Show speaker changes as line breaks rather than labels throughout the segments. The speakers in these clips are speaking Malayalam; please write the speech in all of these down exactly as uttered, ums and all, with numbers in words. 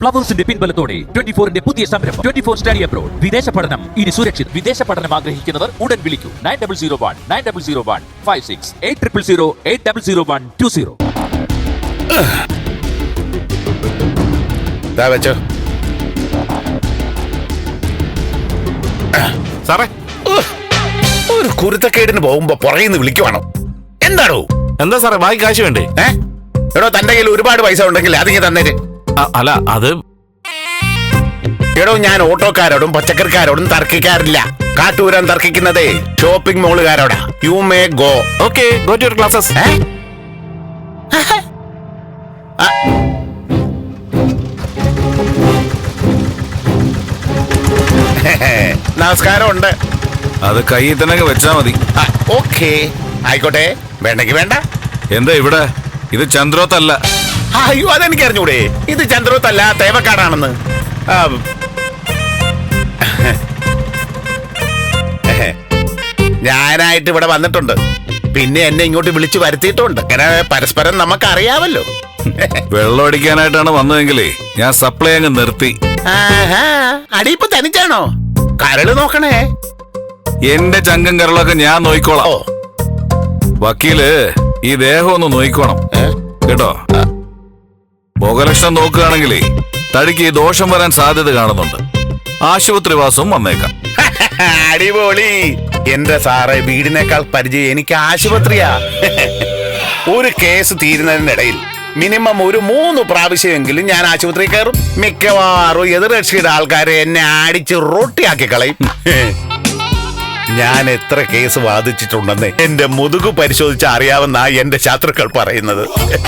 ഫ്ലവേഴ്സിന്റെ പിൻബലത്തോടെ ട്വന്റി ഫോറിന്റെ പുതിയ സംരംഭം ട്വന്റി ഫോർ സ്റ്റഡി അബ്രോഡ്. വിദേശ പഠനം ഇനി സുരക്ഷിത്. വിദേശ പഠനം ആഗ്രഹിക്കുന്നവർ ഉടൻ വിളിക്കൂ nine double zero one nine double zero one five six eight triple zero eight double zero one two zero.
വെച്ചോ
സാറേ,
ഒരു കുരുത്തക്കേടിന് പോകുമ്പോ പുറകിന്ന് വിളിക്കുവാണോ? എന്താണോ?
എന്താ സാറേ, ബാക്കി കാശ് വേണ്ടേ?
ഏ എടോ, തന്റെ കയ്യിൽ ഒരുപാട് പൈസ ഉണ്ടെങ്കിൽ അതിങ്ങ് തന്നേര്.
അ- അല്ല അത്
എടോ, ഞാൻ ഓട്ടോക്കാരോടും പച്ചക്കറിക്കാരോടും തർക്കിക്കാറില്ല. കാട്ടൂരാൻ തർക്കിക്കുന്നതേ ഷോപ്പിംഗ് മോളുകാരോടാ. You may go.
Okay, go to your classes.
നമസ്കാരം ഉണ്ട്.
അത് കയ്യിൽ തന്നെ വെച്ചാ മതി.
ഓക്കെ, ആയിക്കോട്ടെ. വേണ്ടെങ്കി വേണ്ട.
എന്താ ഇവിടെ? ഇത് ചന്ദ്രോത്തല്ല.
അയ്യോ, അതെനിക്ക് അറിഞ്ഞൂടെ. ഇത് ചന്ദ്രോത്തല്ല, തേവക്കാടാണെന്ന്. ആ, ഞാനായിട്ട് ഇവിടെ വന്നിട്ടുണ്ട്. പിന്നെ എന്നെ ഇങ്ങോട്ട് വിളിച്ചു വരുത്തിയിട്ടുണ്ട്. അങ്ങനെ പരസ്പരം നമുക്ക് അറിയാമല്ലോ.
വെള്ളം അടിക്കാനായിട്ടാണ് വന്നതെങ്കിലേ ഞാൻ സപ്ലൈ അങ്ങ് നിർത്തി.
അടിയിപ്പ് തനിച്ചാണോ? കരള് നോക്കണേ.
എന്റെ ചങ്കം കരളൊക്കെ ഞാൻ നോയിക്കോളാം.
ഓ,
വക്കീല് ഈ ദേഹം ഒന്ന് നോയിക്കോണം കേട്ടോ. മുഖലക്ഷണം നോക്കുകയാണെങ്കിലേ തടിക്ക് ദോഷം വരാൻ സാധ്യത കാണുന്നുണ്ട്. ആശുപത്രിവാസവും വന്നേക്കാം.
അടിപൊളി. എന്റെ സാറേ, വീടിനേക്കാൾ പരിചയം എനിക്ക് ആശുപത്രിയാ. ഒരു കേസ് തീരുന്നതിനിടയിൽ മിനിമം ഒരു മൂന്ന് പ്രാവശ്യമെങ്കിലും ഞാൻ ആശുപത്രി കയറും. മിക്കവാറും എതിർകക്ഷിയുടെ ആൾക്കാരെ എന്നെ അടിച്ച് റൊട്ടിയാക്കി കളയും. ഞാൻ എത്ര കേസ് വാദിച്ചിട്ടുണ്ടെന്ന് എന്റെ മുതുകു പരിശോധിച്ച് അറിയാവുന്ന എന്റെ ശത്രുക്കൾ പറയുന്നത്.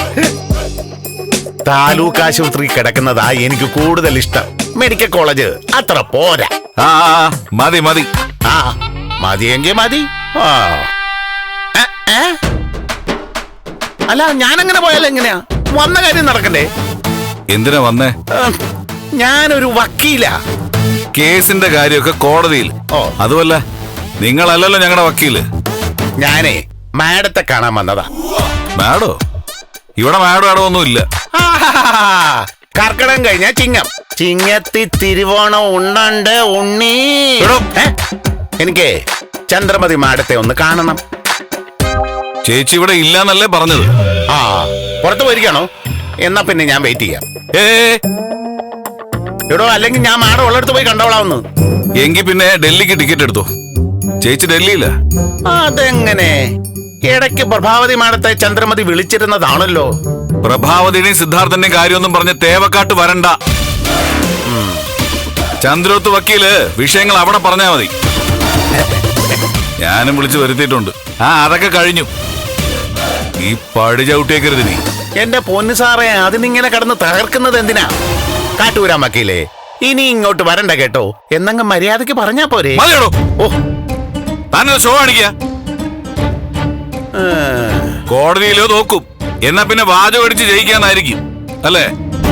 താലൂക്ക് ആശുപത്രി കിടക്കുന്നതാ എനിക്ക് കൂടുതൽ ഇഷ്ടം. മെഡിക്കൽ കോളേജ് അത്ര പോരാ.
ആ മതി മതി.
ആ മതിയെങ്കിൽ മതി. ആ ഏ, ഏ? അല്ല, ഞാനങ്ങനെ പോയാൽ എങ്ങനെയാ? വന്ന കാര്യം നടക്കണ്ടേ?
എന്തിനാ വന്നേ?
ഉം, ഞാനൊരു വക്കീലാ.
കേസിന്റെ കാര്യമൊക്കെ കോടതിയിൽ.
ഓ,
അതുമല്ല, നിങ്ങളല്ലല്ലോ ഞങ്ങളുടെ വക്കീല്.
ഞാനേ മാഡത്തെ കാണാൻ വന്നതാ.
മാഡോ? ഇവിടെ മാഡോ ആടോ ഒന്നും ഇല്ല.
ആഹാഹാഹാ. കർക്കിടകം കഴിഞ്ഞ ചിങ്ങം. ചിങ്ങത്തി തിരുവോണം ഉണ്ണണ്ട് ഉണ്ണി.
എടോ.
ഏ? എനിക്ക് ചന്ദ്രമതി മാഡത്തെ ഒന്ന് കാണണം.
ചേച്ചി ഇവിടെ ഇല്ലാന്നല്ലേ പറഞ്ഞത്?
ആ, പുറത്തു പോയിരിക്കണോ? എന്നാ പിന്നെ ഞാൻ വെയിറ്റ് ചെയ്യാം.
ഏ
എടോ, അല്ലെങ്കിൽ ഞാൻ മാഡം ഉള്ളിടത്ത് പോയി കണ്ടോളാവുന്നു.
എങ്കിൽ പിന്നെ ഡൽഹിക്ക് ടിക്കറ്റ് എടുത്തോ. ചേച്ചി ഡൽഹിയില്ല.
അതെങ്ങനെ? ഇടയ്ക്ക് പ്രഭാവതി മാഡത്തെ ചന്ദ്രമതി വിളിച്ചിരുന്നതാണല്ലോ.
പ്രഭാവതിയുടെയും സിദ്ധാർത്ഥന്റെയും കാര്യമൊന്നും പറഞ്ഞ് തേവക്കാട്ട് വരണ്ട. ചന്ദ്രോത്ത് വക്കീല് വിഷയങ്ങൾ അവിടെ പറഞ്ഞാ മതി. ഞാനും വിളിച്ചു വരുത്തിയിട്ടുണ്ട്. ആ അതൊക്കെ കഴിഞ്ഞു. ഈ പടി ചവിട്ടിയേക്കരുത് നീ.
എന്റെ പൊന്നു സാറേ, അതിനിങ്ങനെ കടന്ന് തകർക്കുന്നത് എന്തിനാ? കാട്ടൂരാൻ വക്കീലേ, ഇനി ഇങ്ങോട്ട് വരണ്ട കേട്ടോ. എന്നങ്ങ് മര്യാദക്ക് പറഞ്ഞാ പോരെ?
മതിയോടോ.
ഓ,
താനൊരു ഷോ കാണിക്ക. കോടതിയിലോ നോക്കും. എന്നാ പിന്നെ വാചകം അടിച്ച് ജയിക്കാന്നായിരിക്കും അല്ലേ?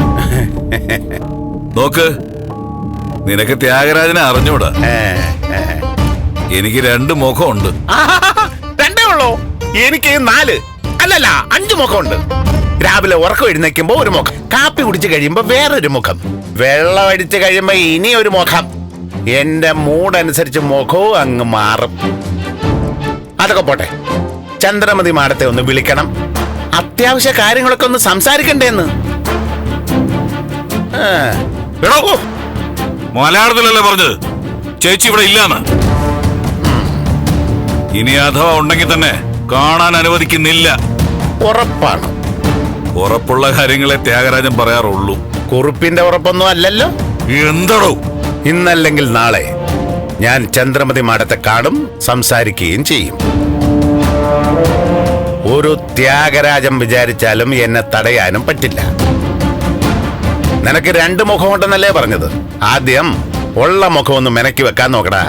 നോക്ക്, നിനക്ക് ത്യാഗരാജനെ അറിഞ്ഞൂടാ.
ഏ, ഏ.
എനിക്ക് രണ്ട് മുഖമുണ്ട്.
ആഹാഹാഹാ, രണ്ടേ ഉള്ളോ? എനിക്ക് നാല്, അല്ലല്ല അഞ്ചു മുഖമുണ്ട്. രാവിലെ ഉറക്കം എഴുന്നേക്കുമ്പോ ഒരു മുഖം, കാപ്പി കുടിച്ചു കഴിയുമ്പോ വേറൊരു മുഖം, വെള്ളം അടിച്ചു കഴിയുമ്പോ ഇനി ഒരു മുഖം. എന്റെ മൂഡ് അനുസരിച്ച് മുഖവും അങ്ങ് മാറും. അതൊക്കെ പോട്ടെ, ചന്ദ്രമതി മാഡത്തെ ഒന്ന് വിളിക്കണം. അത്യാവശ്യ കാര്യങ്ങളൊക്കെ ഒന്ന് സംസാരിക്കണ്ടേന്ന്. ആ.
എടോ, മലയാളത്തിലല്ലേ പറഞ്ഞത് ചേച്ചി ഇവിടെ ഇല്ലാന്ന്? ഇനി അഥവാ ഉണ്ടെങ്കിൽ തന്നെ കാണാൻ അനുവദിക്കുന്നില്ല.
ഉറപ്പാണ്.
ഉറപ്പുള്ള കാര്യങ്ങളെ ത്യാഗരാജൻ പറയാറുള്ളൂ.
കുറിപ്പിന്റെ ഉറപ്പൊന്നും അല്ലല്ലോ.
എന്തടോ?
ഇന്നല്ലെങ്കിൽ നാളെ ഞാൻ ചന്ദ്രമതി മാഡത്തെ കാണും, സംസാരിക്കുകയും ചെയ്യും. ഒരു ത്യാഗരാജൻ വിചാരിച്ചാലും എന്നെ തടയാനും പറ്റില്ല. നിനക്ക് രണ്ട് മുഖമുണ്ടെന്നല്ലേ പറഞ്ഞത്? ആദ്യം ഉള്ള മുഖം ഒന്ന് മെനക്കി വെക്കാൻ നോക്കടാ,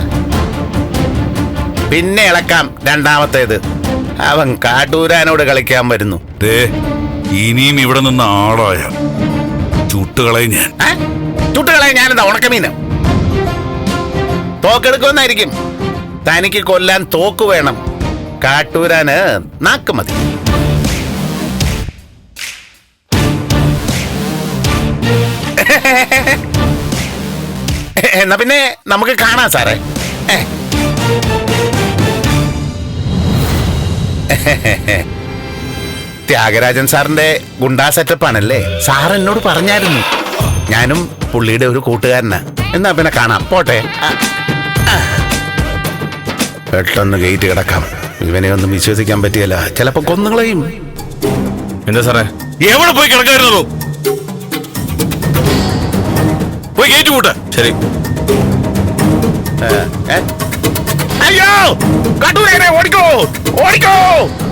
പിന്നെ ഇളക്കാം രണ്ടാമത്തേത്. അവൻ കാട്ടൂരാനോട് കളിക്കാൻ വരുന്നു.
ദേ, ഇനിയും ഇവിടെ നിന്ന് ആളായ ചുട്ടുകളയും ഞാൻ.
ചുട്ടുകളെ ഞാനെന്താ ഉണക്കമീന്? തോക്കെടുക്കുമെന്നായിരിക്കും. തനിക്ക് കൊല്ലാൻ തോക്ക് വേണം, കാട്ടൂരാന് നാക്ക് മതി. എന്നാ പിന്നെ നമുക്ക് കാണാം സാറേ. ഏ. ത്യാഗരാജൻ സാറിന്റെ ഗുണ്ടാ സെറ്റപ്പ് ആണല്ലേ? സാർ എന്നോട് പറഞ്ഞായിരുന്നു. ഞാനും പുള്ളിയുടെ ഒരു കൂട്ടുകാരനാ. എന്നാ പിന്നെ കാണാം, പോട്ടെ. പെട്ടെന്ന് ഗേറ്റ് കിടക്കാം. ഇവനെ ഒന്നും വിശ്വസിക്കാൻ പറ്റിയല്ല, ചിലപ്പോ കൊന്നുകളയും.
എന്താ സാറേ? എവിടെ പോയി കിടക്കായിരുന്നു? പോയി ഗേറ്റ് കൂട്ട്. ശരി.
അയ്യോ, കട്ടൂരേനെ ഓടിക്കോ, ഓടിക്കോ.